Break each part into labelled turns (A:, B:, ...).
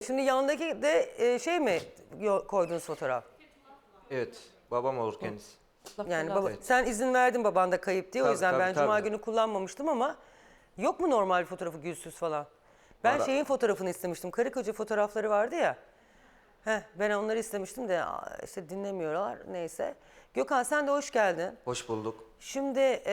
A: Şimdi yanındaki de şey mi koyduğunuz fotoğraf?
B: Evet, babam olur kendisi.
A: Yani baba,
B: Evet.
A: sen izin verdin baban da kayıp diye. O
B: Tabii,
A: yüzden
B: tabii,
A: ben cuma
B: tabii.
A: günü kullanmamıştım ama yok mu normal fotoğrafı gülsüz falan? Ben
B: Valla-
A: şeyin fotoğrafını istemiştim. Karı koca fotoğrafları vardı ya. Ben onları istemiştim de işte dinlemiyorlar neyse. Gökhan sen de hoş geldin.
B: Hoş bulduk.
A: Şimdi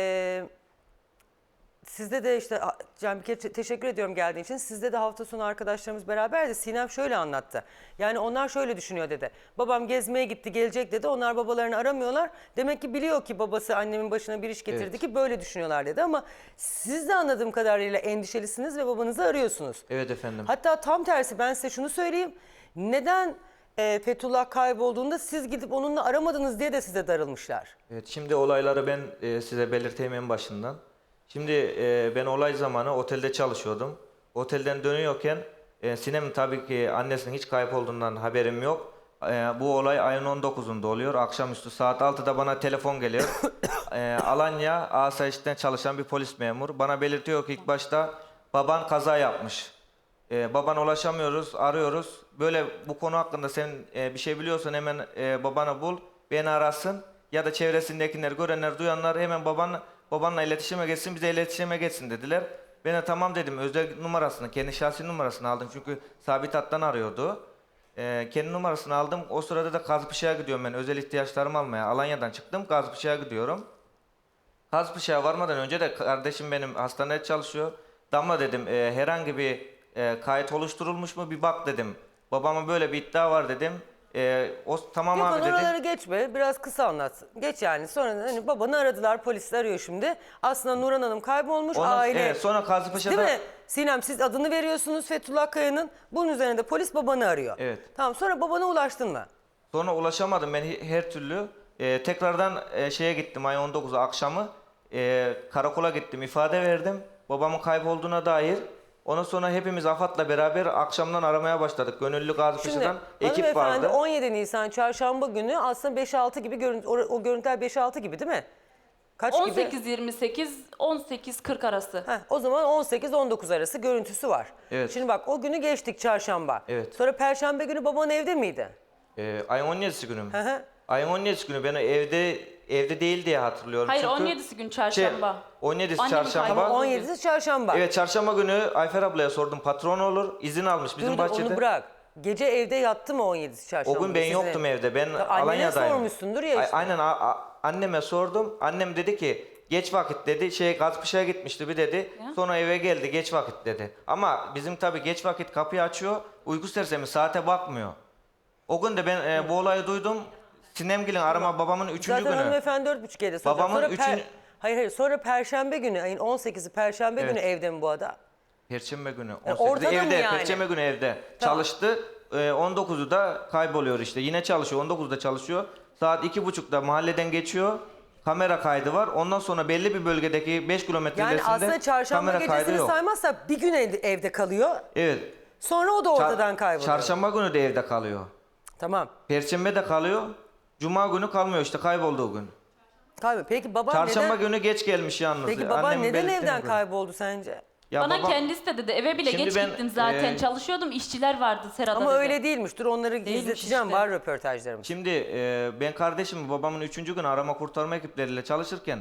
A: sizde de işte Can bir kere teşekkür ediyorum geldiğin için. Sizde de hafta sonu arkadaşlarımız beraberdi. Sinem şöyle anlattı. Yani onlar şöyle düşünüyor dedi. Babam gezmeye gitti gelecek dedi. Onlar babalarını aramıyorlar. Demek ki biliyor ki babası annemin başına bir iş getirdi
B: Evet.
A: ki böyle düşünüyorlar dedi. Ama siz de anladığım kadarıyla endişelisiniz ve babanızı arıyorsunuz.
B: Evet efendim.
A: Hatta tam tersi ben size şunu söyleyeyim. Neden Fethullah kaybolduğunda siz gidip onunla aramadınız diye de size darılmışlar.
B: Evet, şimdi olayları ben size belirteyim en başından. Şimdi ben olay zamanı otelde çalışıyordum. Otelden dönüyorken Sinem tabii ki annesinin hiç kayıp olduğundan haberim yok. Bu olay ayın 19'unda oluyor. Akşamüstü saat 6'da bana telefon geliyor. Alanya Asayiş'ten çalışan bir polis memuru. Bana belirtiyor ki ilk başta baban kaza yapmış. Babana ulaşamıyoruz, arıyoruz. Böyle bu konu hakkında sen bir şey biliyorsan hemen babanı bul, beni arasın. Ya da çevresindekiler, görenler, duyanlar hemen babanla iletişime geçsin, bize iletişime geçsin dediler. Ben de tamam dedim, özel numarasını, kendi şahsi numarasını aldım çünkü sabit hattan arıyordu. Kendi numarasını aldım, o sırada da Kazpışak'a gidiyorum ben özel ihtiyaçlarımı almaya. Alanya'dan çıktım, Kazpışak'a gidiyorum. Kazpışak'a varmadan önce de kardeşim benim hastanede çalışıyor. Damla dedim herhangi bir kayıt oluşturulmuş mu bir bak dedim. Babama böyle bir iddia var dedim. O tamam
A: Yok
B: abi dedi.
A: oraları geçme biraz kısa anlat. Geç yani sonra hani babanı aradılar polisler arıyor şimdi. Aslında Nurhan Hanım kaybolmuş aile.
B: Evet, sonra
A: Değil
B: Kazpışak'ta
A: mi? Sinem siz adını veriyorsunuz Fethullah Kaya'nın. Bunun üzerine de polis babanı arıyor.
B: Evet.
A: Tamam sonra babana ulaştın mı?
B: sonra ulaşamadım ben her türlü. Tekrardan şeye gittim ayın 19'u akşamı. Karakola gittim ifade verdim. Babamın kaybolduğuna dair. Ondan sonra hepimiz AFAD'la beraber akşamdan aramaya başladık. Gönüllü
A: Şimdi
B: Kazpışak'tan ekip
A: hanımefendi
B: vardı.
A: 17 Nisan çarşamba günü aslında 5-6 gibi o görüntüler 5-6 gibi değil mi? Kaç gibi?
C: 18-28, 18-40 arası.
A: O zaman 18-19 arası görüntüsü var.
B: Evet.
A: Şimdi bak o günü geçtik çarşamba.
B: Evet.
A: Sonra perşembe günü baban evde miydi?
B: Ayın 17'si günü mü?
A: Hı hı.
B: Ayın 17'si günü ben evde değil diye hatırlıyorum.
C: Hayır,
B: Çünkü
C: 17'si gün çarşamba.
B: 17'si
C: Annemin
B: çarşamba.
C: kaybolduğu gün.
A: 17'si çarşamba.
B: Evet, çarşamba günü Ayfer ablaya sordum, patron olur, izin almış bizim
A: Dur,
B: bahçede.
A: onu bırak. Gece evde yattı mı 17'si çarşamba?
B: O gün ben
A: Sizin
B: yoktum evde. Ben
A: annene
B: Alanya'dayım.
A: sormuşsundur ya işte.
B: Aynen anneme sordum. Annem dedi ki geç vakit dedi. Gazpışak'a gitmişti bir dedi.
C: Ya.
B: Sonra eve geldi geç vakit dedi. Ama bizim tabii geç vakit kapıyı açıyor. Uyku sersemi saate bakmıyor. O gün de ben bu olayı duydum. Sinemgil'in arama babamın 3.
A: Zaten
B: günü.
A: hanımefendi 4.30'da soracak.
B: Babamın
A: Sonra
B: üçün-
A: Hayır sonra perşembe günü ayın 18'i perşembe
B: Evet.
A: günü evde mi bu adam?
B: Perşembe günü.
A: orada da mı
B: evde,
A: yani?
B: Perşembe günü evde.
A: Tamam.
B: Çalıştı. 19'u da kayboluyor işte. Yine çalışıyor. 19'da çalışıyor. Saat 2.30'da mahalleden geçiyor. Kamera kaydı var. Ondan sonra belli bir bölgedeki 5 kilometre
A: Yani
B: ilerisinde
A: aslında çarşamba
B: kamera kaydı
A: gecesini
B: yok.
A: saymazsak bir gün evde kalıyor.
B: Evet.
A: Sonra o da ortadan kayboluyor.
B: Çarşamba günü de evde kalıyor.
A: Tamam.
B: Perşembe de kalıyor. Cuma günü kalmıyor işte kaybolduğu gün.
A: Peki baban
B: Çarşamba
A: neden?
B: günü geç gelmiş yalnız.
A: Peki baban
B: Annemin
A: neden
B: belirttiğine
A: evden
B: göre.
A: kayboldu sence?
B: Ya
C: Bana
B: babam-
C: kendisi de dedi, eve bile
B: Şimdi
C: geç
B: ben,
C: gittim zaten. Çalışıyordum, işçiler vardı Serhat'a
A: Ama
C: dedi.
A: öyle değilmiş. Dur onları izleteceğim.
C: işte.
A: Var röportajlarımız.
B: Şimdi ben kardeşim babamın 3. gün arama kurtarma ekipleriyle çalışırken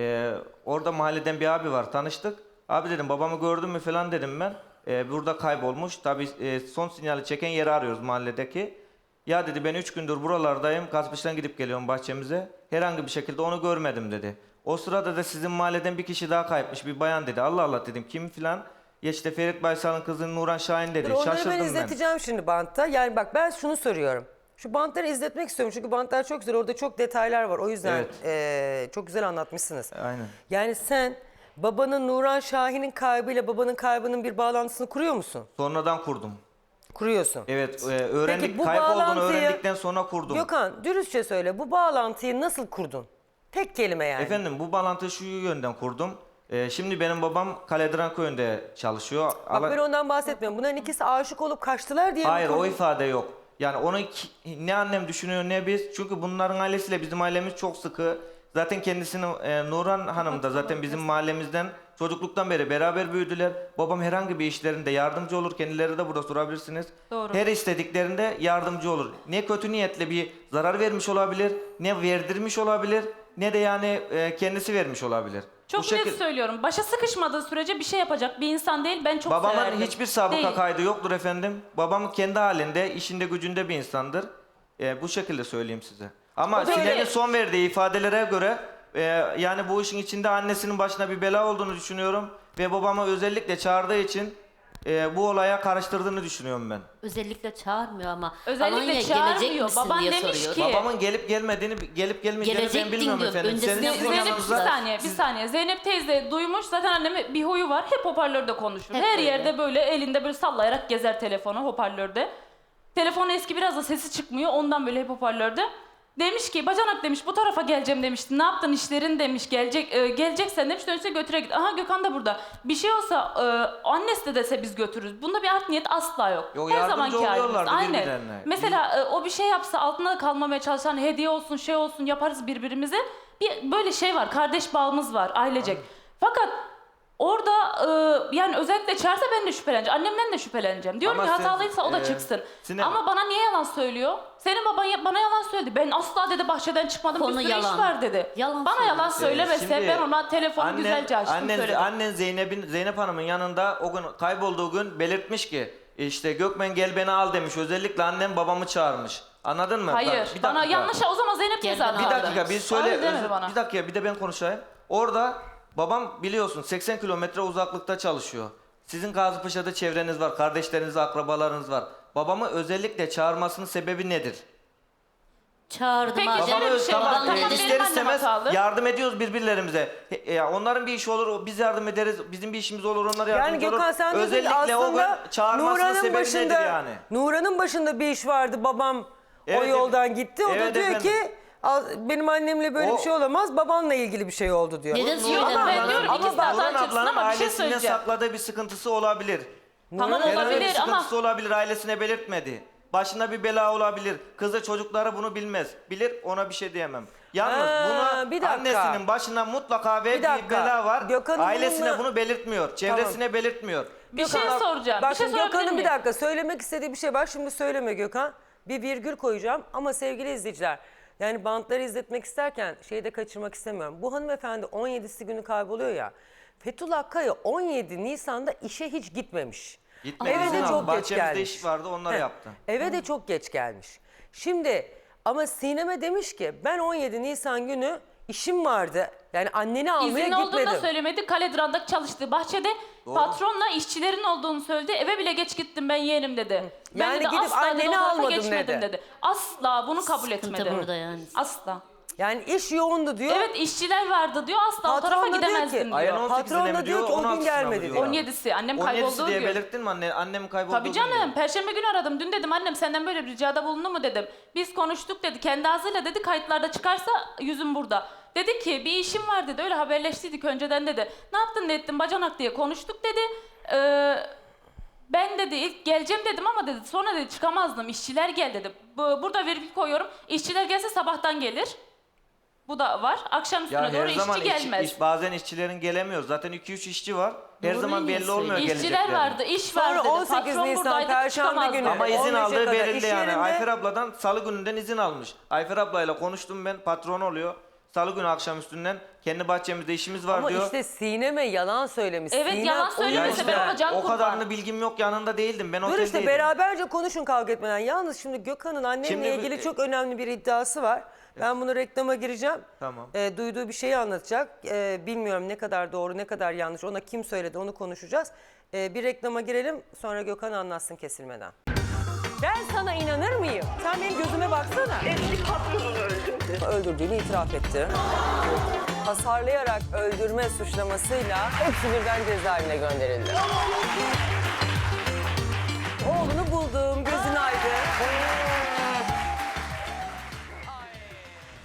B: orada mahalleden bir abi var tanıştık. Abi dedim babamı gördün mü falan dedim ben. Burada kaybolmuş. Tabii son sinyali çeken yeri arıyoruz mahalledeki. Ya dedi ben 3 gündür buralardayım. Kazpış'tan gidip geliyorum bahçemize. Herhangi bir şekilde onu görmedim dedi. O sırada da sizin mahalleden bir kişi daha kayıpmış bir bayan dedi. Allah Allah dedim kim filan. Ya işte Ferit Baysal'ın kızı Nurhan Şahin dedi.
A: Dur, onları
B: Şaşırdım
A: ben
B: ben.
A: izleteceğim şimdi bantta. Yani bak ben şunu soruyorum. Şu bantları izletmek istiyorum çünkü bantlar çok güzel. Orada çok detaylar var. O yüzden çok güzel anlatmışsınız.
B: Aynen.
A: Yani sen babanın Nurhan Şahin'in kaybıyla babanın kaybının bir bağlantısını kuruyor musun?
B: Sonradan kurdum.
A: Kuruyorsun.
B: Evet,
A: Peki bu
B: kaybolduğunu
A: bağlantıyı
B: öğrendikten sonra kurdum.
A: Gökhan dürüstçe söyle bu bağlantıyı nasıl kurdun? Tek kelime yani.
B: Efendim bu bağlantıyı şu yönden kurdum. Şimdi benim babam Kaledran köyünde çalışıyor.
A: Bak ben ondan bahsetmiyorum. Bunların ikisi aşık olup kaçtılar diye mi
B: Hayır o
A: kurdun?
B: ifade yok. Yani onu ne annem düşünüyor ne biz. Çünkü bunların ailesiyle bizim ailemiz çok sıkı. Zaten kendisini Nurhan Hanım da zaten bizim mahallemizden Çocukluktan beri beraber büyüdüler. Babam herhangi bir işlerinde yardımcı olur. Kendileri de burada sorabilirsiniz.
C: Doğru.
B: Her istediklerinde yardımcı olur. Ne kötü niyetle bir zarar vermiş olabilir, ne verdirmiş olabilir, ne de yani kendisi vermiş olabilir.
C: Çok
B: Bu şekil-
C: net söylüyorum. Başa sıkışmadığı sürece bir şey yapacak bir insan değil. Ben çok
B: Babamın
C: severdim.
B: hiçbir sabıka
C: Değil.
B: kaydı yoktur efendim. Babam kendi halinde, işinde gücünde bir insandır. Bu şekilde söyleyeyim size. Ama
C: O da öyle.
B: Sinem'in son verdiği ifadelere göre yani bu işin içinde annesinin başına bir bela olduğunu düşünüyorum. Ve babamı özellikle çağırdığı için bu olaya karıştırdığını düşünüyorum ben.
D: Özellikle çağırmıyor ama.
C: Özellikle
D: Alanya
C: çağırmıyor.
D: gelecek misin
C: Baban
D: diye
C: demiş
D: soruyor.
C: ki-
B: Babamın gelip gelmeyeceğini ben
D: Gelecektin
B: bilmiyorum
D: diyor.
B: efendim.
D: Öncesinde
B: Senin
D: Zeynep-
C: Zeynep bir
D: yanınızda.
C: saniye, bir saniye. Zeynep teyze duymuş. Zaten annemin bir huyu var. Hep hoparlörde konuşur.
D: Hep
C: Her
D: öyle.
C: yerde böyle elinde böyle sallayarak gezer telefonu hoparlörde. Telefonu eski, biraz da sesi çıkmıyor. Ondan böyle hep hoparlörde. Demiş ki bacanak demiş bu tarafa geleceğim demişti. Ne yaptın işlerin demiş. Geleceksen demiş, dönüşte götüre git. Aha Gökhan da burada. Bir şey olsa annesi de dese biz götürürüz. Bunda bir art niyet asla yok.
B: Yok,
C: Her
B: yardımcı
C: zamanki halimiz.
B: oluyorlardı
C: Aynen.
B: birbirlerine.
C: Mesela o bir şey yapsa altında kalmamaya çalışan, hediye olsun şey olsun yaparız birbirimize. Bir böyle şey var, kardeş bağımız var ailecek. Fakat orada yani özellikle çağırsa ben de şüpheleneceğim. Annemden de şüpheleneceğim. Diyorum
B: Ama
C: ki hatalıysa o da çıksın.
B: Sinem-
C: Ama bana niye yalan söylüyor? Senin baban bana yalan söyledi. Ben asla dedi bahçeden çıkmadım,
D: Konu
C: bir sürü
D: yalan.
C: iş var dedi.
D: Yalan
C: bana yalan
D: söylüyor.
C: söylemese
B: Şimdi
C: ben ona telefonu güzelce açtım söyledim.
B: Annen Zeynep Hanım'ın yanında o gün kaybolduğu gün belirtmiş ki işte Gökmen gel beni al demiş. Özellikle annem babamı çağırmış. Anladın mı?
C: Hayır.
B: Bak, bir
C: Bana
B: dakika.
C: yanlış, o zaman Zeynep teyze
D: Gel
C: aldı.
D: beni
B: Bir
D: al.
B: dakika bir söyle.
C: Öyle demedi bana.
B: Bir dakika bir de ben konuşayım. Orada babam biliyorsun 80 kilometre uzaklıkta çalışıyor. Sizin Gazipaşa'da çevreniz var, kardeşleriniz, akrabalarınız var. Babamı özellikle çağırmasının sebebi nedir?
D: Çağırdım
C: Peki,
D: abi.
C: Zeynep-
B: Babamı
C: bir şey
B: tamam,
C: var. Tamam, benim
B: ister
C: annem
B: istemez
C: hatalı.
B: yardım ediyoruz birbirlerimize. Onların bir işi olur, biz yardım ederiz. Bizim bir işimiz olur, onlar
A: Yani
B: yardımcı olur.
A: Gökhan sen diyorsun ki
B: Özellikle o gün
A: aslında
B: çağırmasının sebebi nedir yani?
A: Nuran'ın başında bir iş vardı, babam o
B: Evet,
A: yoldan gitti. O da
B: evet
A: diyor
B: efendim.
A: ki benim annemle böyle
B: O-
A: bir şey olamaz, babanla ilgili bir şey oldu diyor.
D: Neden
C: Yok,
D: söylemiyor?
C: ben diyorum
A: Ama
C: ikisi de
A: bak-
C: hata
B: Nurhan
C: çıksın
B: ablanın
C: ama bir şey
B: ailesinden
C: söyleyeceğim.
B: sakladığı bir sıkıntısı olabilir.
C: Tamam
B: Herhangi bir
C: olabilir ama
B: sıkıntısı olabilir, ailesine belirtmedi. Başına bir bela olabilir. Kızı çocukları bunu bilmez. Bilir, ona bir şey diyemem. Yalnız
A: Ha, bir
B: buna
A: dakika.
B: annesinin başına mutlaka ve
A: Bir dakika.
B: bir bela var.
A: Gökhan'ın
B: Ailesine
A: bununla-
B: bunu belirtmiyor. Çevresine belirtmiyor.
C: bir şey
A: Gökhan,
C: soracağım.
A: Bak
C: Bir şey
A: şimdi
C: sorabilir
A: Gökhan'ın bir
C: miyim?
A: dakika söylemek istediği bir şey var. Şimdi söyleme Gökhan. Bir virgül koyacağım ama sevgili izleyiciler. Yani bantları izletmek isterken şeyi de kaçırmak istemiyorum. Bu hanımefendi 17'si günü kayboluyor ya. Fethullah Kaya 17 Nisan'da işe hiç gitmemiş.
B: Gitmedi,
A: Eve
B: izin
A: de
B: aldı.
A: çok geç
B: Bahçemizde
A: gelmiş.
B: iş vardı, onları
A: Heh,
B: yaptı.
A: Eve de çok geç gelmiş. Şimdi ama Sinem'e demiş ki ben 17 Nisan günü işim vardı. Yani anneni almaya
C: İzinli olduğunu da
A: gitmedim.
C: söylemedi. Kaledıran'daki çalıştığı bahçede patronla işçilerin olduğunu söyledi. Eve bile geç gittim ben yeğenim dedi. Ben
A: Yani
C: dedi,
A: gidip
C: asla dedi,
A: anneni
C: o tarafa
A: almadım
C: geçmedim
A: dedi.
C: Asla bunu kabul
D: Sıkıntı
C: etmedi.
D: burada yani.
C: Asla.
A: Yani iş yoğundu diyor.
C: Evet işçiler vardı diyor. Asla o
A: Patron
C: tarafa
A: da diyor
C: gidemezdim
A: ki-
B: Ayın
C: diyor.
B: 18'ine
A: Patron da
B: mi
A: diyor
B: diyor,
A: ki o gün
B: 16'sına mı
A: gelmedi
B: diyor?
A: diyor.
C: 17'si annem
B: 17'si
C: kaybolduğu
B: diye
C: gün.
B: belirttin mi annem kaybolduğu
C: Tabii
B: gün
C: canım.
B: diyor.
C: Perşembe günü aradım. Dün dedim annem senden böyle bir ricada bulundu mu dedim. Biz konuştuk dedi. Kendi ağzıyla dedi kayıtlarda çıkarsa yüzüm burada. Dedi ki bir işim var dedi. Öyle haberleştiydik önceden dedi. Ne yaptın ne ettin bacanak diye konuştuk dedi. Ben dedi ilk geleceğim dedim ama dedi sonra dedi çıkamazdım. İşçiler gel dedi. Burada virgül koyuyorum. İşçiler gelse sabahtan gelir. Bu da var. Akşam üstüne
B: Ya
C: doğru
B: her zaman
C: işçi gelmez.
B: bazen işçilerin gelemiyor. Zaten 2-3 işçi var. Her
D: Doğru
B: zaman belli
D: diyorsun.
B: olmuyor
C: İşçiler
B: gelecekleri.
C: vardı, iş var
A: Sonra
C: dedi.
A: 18
C: Patron
A: Nisan
C: buradaydı,
A: Perşembe
C: çıkamazdı.
A: günü.
B: Ama izin
A: 15'e
B: aldığı
A: kadar
B: belirli
A: iş
B: yani.
A: yerinde-
B: Ayfer abladan salı gününden izin almış. Ayfer ablayla konuştum ben, patron oluyor. Salı günü akşam üstünden kendi bahçemizde işimiz var
A: Ama
B: diyor.
A: işte Sinem'e yalan söylemiş.
C: Evet,
A: Sinem
C: yalan
A: o
C: söylemese
A: yüzden-
C: ben ona can
B: o
C: kurban.
B: kadarını bilgim yok, yanında değildim. Ben
A: Dur
B: oteldeydim.
A: işte beraberce konuşun kavga etmeden. Yalnız şimdi Gökhan'ın annemle
B: Şimdi
A: ilgili çok önemli bir iddiası var. Ben bunu reklama gireceğim.
B: Tamam.
A: Duyduğu bir şeyi anlatacak. Bilmiyorum ne kadar doğru ne kadar yanlış. Ona kim söyledi onu konuşacağız. Bir reklama girelim sonra Gökhan anlatsın kesilmeden. Ben sana inanır mıyım? Sen benim gözüme baksana.
E: Eski patronunu öldürdü.
A: Öldürdüğünü itiraf etti. Hasarlayarak öldürme suçlamasıyla hepsi birden cezaevine gönderildi.